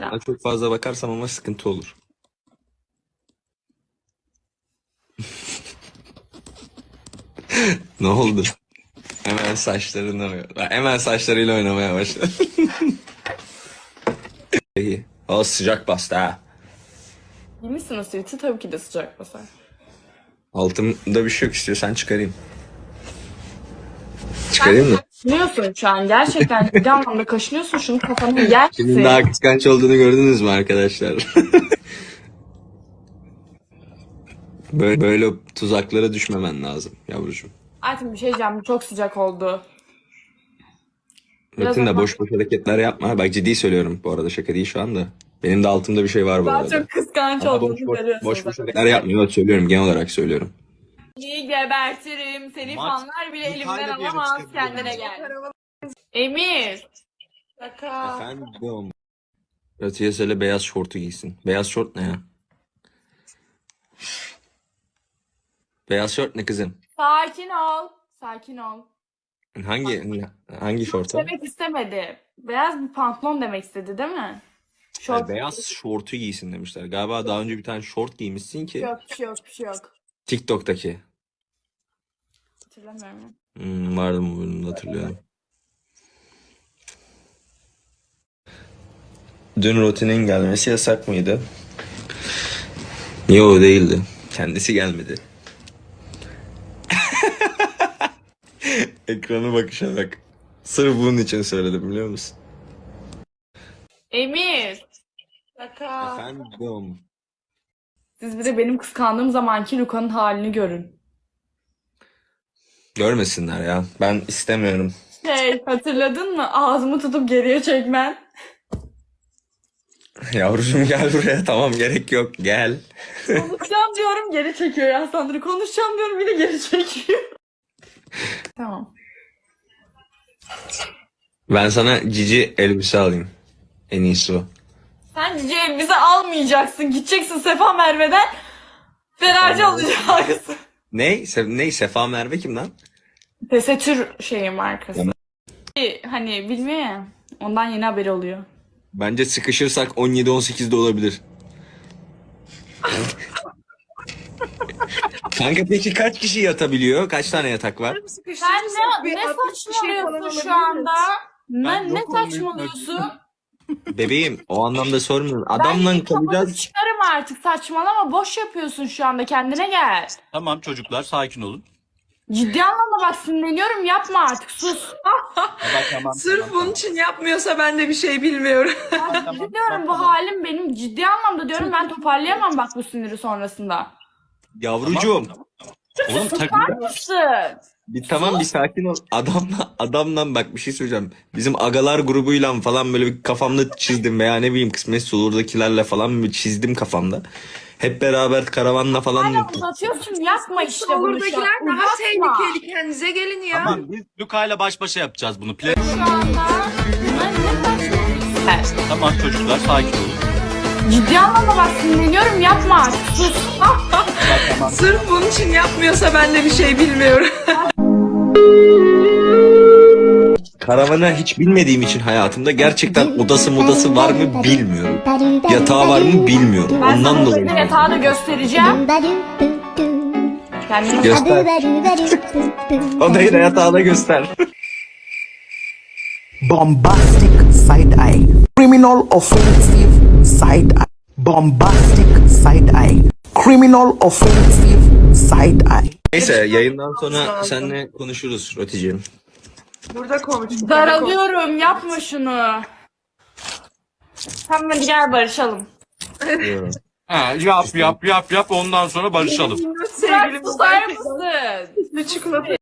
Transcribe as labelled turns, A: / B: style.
A: Ben çok fazla bakarsam ama sıkıntı olur. Ne oldu? Hemen saçlarıyla oynamaya başladı. İyi. O sıcak bastı ha.
B: Giymişsin o sweat'i, tabii ki de sıcak basar.
A: Altımda bir şey yok, istiyorsan çıkarayım. Çıkarayım mı?
B: Kaşınıyorsun şu an. Gerçekten ciddi anlamda kaşınıyorsun. Şunu kafana yersin.
A: Kimin daha kıskanç olduğunu gördünüz mü arkadaşlar? Böyle tuzaklara düşmemen lazım yavrucuğum.
B: Artık bir şey diyeceğim. Bu çok sıcak oldu.
A: Rutin de boş boş hareketler yapma. Bak ciddi söylüyorum bu arada, şaka değil şu anda. Benim de altımda bir şey var bu
B: Daha
A: arada.
B: çok kıskanç
A: Ama
B: olduğunu görüyorsun.
A: boş hareketler yapmıyor, söylüyorum, genel olarak söylüyorum.
B: İyi gebertirim. Seni fanlar bile elimden alamaz. Kendine gel. Emir. Şaka.
A: Efendim? Ratiye söyle beyaz şortu giysin. Beyaz şort ne ya? Beyaz şort ne kızım?
B: Sakin ol. Sakin ol.
A: Hangi şort o?
B: Demek istemedi. Beyaz bir pantolon demek istedi değil mi?
A: Hayır, beyaz şortu giysin demişler. Galiba daha önce bir tane şort giymişsin ki.
B: Yok, bir şey yok, bir şey yok.
A: TikTok'taki.
B: Hatırlamıyorum.
A: Vardı mı bölümde, hatırlıyorum. Dün rutinin gelmesi yasak mıydı? Yok, değildi. Kendisi gelmedi. Ekrana bakışa bak. Sırf bunun için söyledim, biliyor musun?
B: Emir. Şaka.
A: Efendim?
B: Siz bir de benim kıskandığım zamanki Luka'nın halini görün.
A: Görmesinler ya. Ben istemiyorum.
B: Hatırladın mı? Ağzımı tutup geriye çekmen.
A: Yavrucuğum gel buraya. Tamam, gerek yok. Gel.
B: Konuşacağım diyorum, geri çekiyor ya Sandra. Konuşacağım diyorum, yine geri çekiyor. Tamam.
A: Ben sana cici elbise alayım. En iyisi o.
B: Sen cici elbise almayacaksın. Gideceksin Sefa Merve'den. Feracı alacaksın.
A: Ne? Sefa Merve kim lan?
B: Tesettür şeyi markası. Hani bilmiyor ya. Ondan yeni haberi oluyor.
A: Bence sıkışırsak 17-18'de olabilir. Kanka peki kaç kişi yatabiliyor? Kaç tane yatak var?
B: Sen ne saçmalıyorsun şu anda? Ne saçmalıyorsun?
A: Bebeğim, o anlamda sormuyorum.
B: Ben
A: Adamla
B: yine kafanı
A: kalacağız.
B: çıkarım artık, saçmalama, boş yapıyorsun şu anda, kendine gel.
C: Tamam çocuklar sakin olun.
B: Ciddi anlamda bak, sinirleniyorum, yapma artık, sus.
C: Tamam.
D: Sırf bunun için yapmıyorsa ben de bir şey bilmiyorum.
B: Ciddi diyorum, bu halim benim, ciddi anlamda diyorum, ben toparlayamam bak bu siniri sonrasında.
A: Yavrucuğum.
C: Oğlum takım.
B: Mısın?
A: Bir sakin ol. Adamla bak, bir şey söyleyeceğim. Bizim agalar grubuyla falan böyle bir kafamda çizdim, veya ne bileyim kısmetse olurdakilerle falan bir çizdim kafamda. Hep beraber karavanla falan.
B: Hala uzatıyorsun, yapma işte bunu şu an.
D: Oradakiler daha
B: Uzatma.
D: tehlikeli, kendinize gelin ya.
C: Tamam biz Luka ile baş başa yapacağız bunu.
B: Şu anda ne saçmalıyorsun?
C: Tamam çocuklar sakin olun.
B: Ciddi anlamda bak, sinirleniyorum, yapma artık, sus.
D: Sırf bunun için yapmıyorsa ben de bir şey bilmiyorum.
A: Karavana hiç bilmediğim için hayatımda gerçekten odası var mı bilmiyorum. Yatağı var mı bilmiyorum.
B: Ben
A: Ondan
B: sana
A: dolayı.
B: böyle yatağı da göstereceğim. Kendini
A: Göster. Odayı da yatağı da göster.
E: Bombastic side eye. Criminal offensive side eye. Bombastic side eye. Criminal offensive side eye.
A: Neyse, yayından sonra seninle konuşuruz Roticim.
D: Burada konuştuk.
B: daralıyorum, yapma şunu. Tamam hadi gel barışalım.
C: Ha, yap ondan sonra barışalım.
B: Bırak, susar mısın?
D: Çikolata